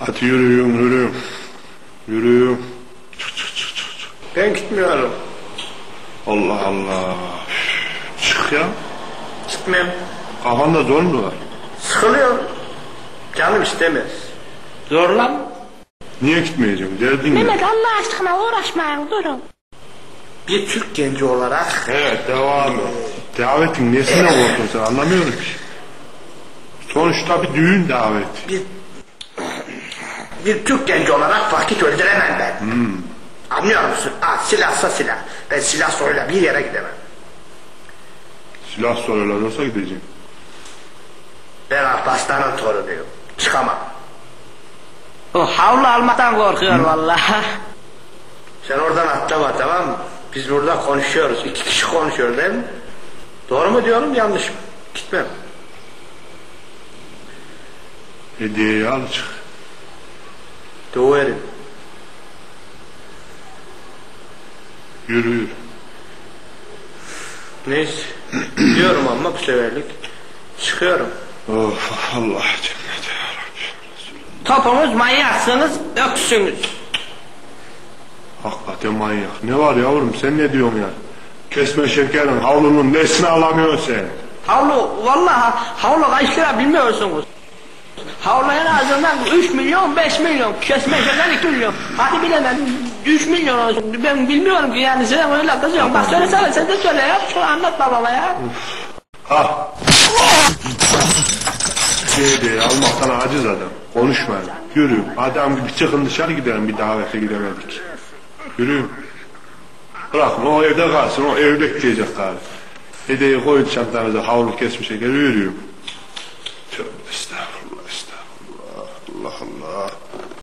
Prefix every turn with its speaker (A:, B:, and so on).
A: Hadi yürüyün. Yürüyün. Çık.
B: Ben gitmiyorum.
A: Allah Allah. Çık ya.
B: Gitmem.
A: Kafanda zor mu var?
B: Sıkılıyorum. Canım istemez. Zorlan.
A: Niye gitmeyeceğim? Derdin ne?
C: Mehmet Allah aşkına uğraşmayın durun.
B: Bir Türk genci olarak
A: Evet devam et. Davetin nesine korktun sen anlamıyorum ki. Sonuçta bir düğün daveti.
B: bir Türk genci olarak vakit öldüremem ben. Anlıyor musun? Silahsa silah. Ben silah soruyla bir yere gidemem.
A: Silah soruyorlar olsa gideceğim.
B: Ben Alparslan'ın torunuyum. Çıkamam.
C: O havlu almaktan korkuyor vallahi.
B: Sen oradan atlama, tamam mı? Biz burada konuşuyoruz. 2 kişi konuşuyoruz değil mi? Doğru mu diyorum, yanlış mı? Gitmem.
A: Hediyeyi al çık.
B: Döverim.
A: Yürü.
B: Neyse. Diyorum ama bu seferlik. Çıkıyorum.
A: Of Allah cennet ya Rabbi.
C: Topunuz manyaksınız, öksünüz.
A: Hakikaten manyak. Ne var yavrum sen ne diyorsun ya? Kesme şekerin havlunun nesini alamıyorsun sen?
C: Havlu, vallahi havlu kaç lira bilmiyorsunuz. Havlu en azından 3 milyon, 5 milyon, kesme şeker 2 milyon. Hadi bilemem 3 milyon olsun. Ben bilmiyorum ki yani sen öyle kızıyorsun. Bak söylesene sen de söyle ya. Şunu anlat babama ya.
A: Ha. Hediyeyi almaktan aciz adam. Konuşmayın. Yürü. Adam gibi çıkın dışarı gidelim bir davete gidemedik. Yürü. Bırakın o evde kalsın. O evde bekleyecek galiba. Hediyeyi koyun çantanıza havlu kesmiş şekeri yürüyün.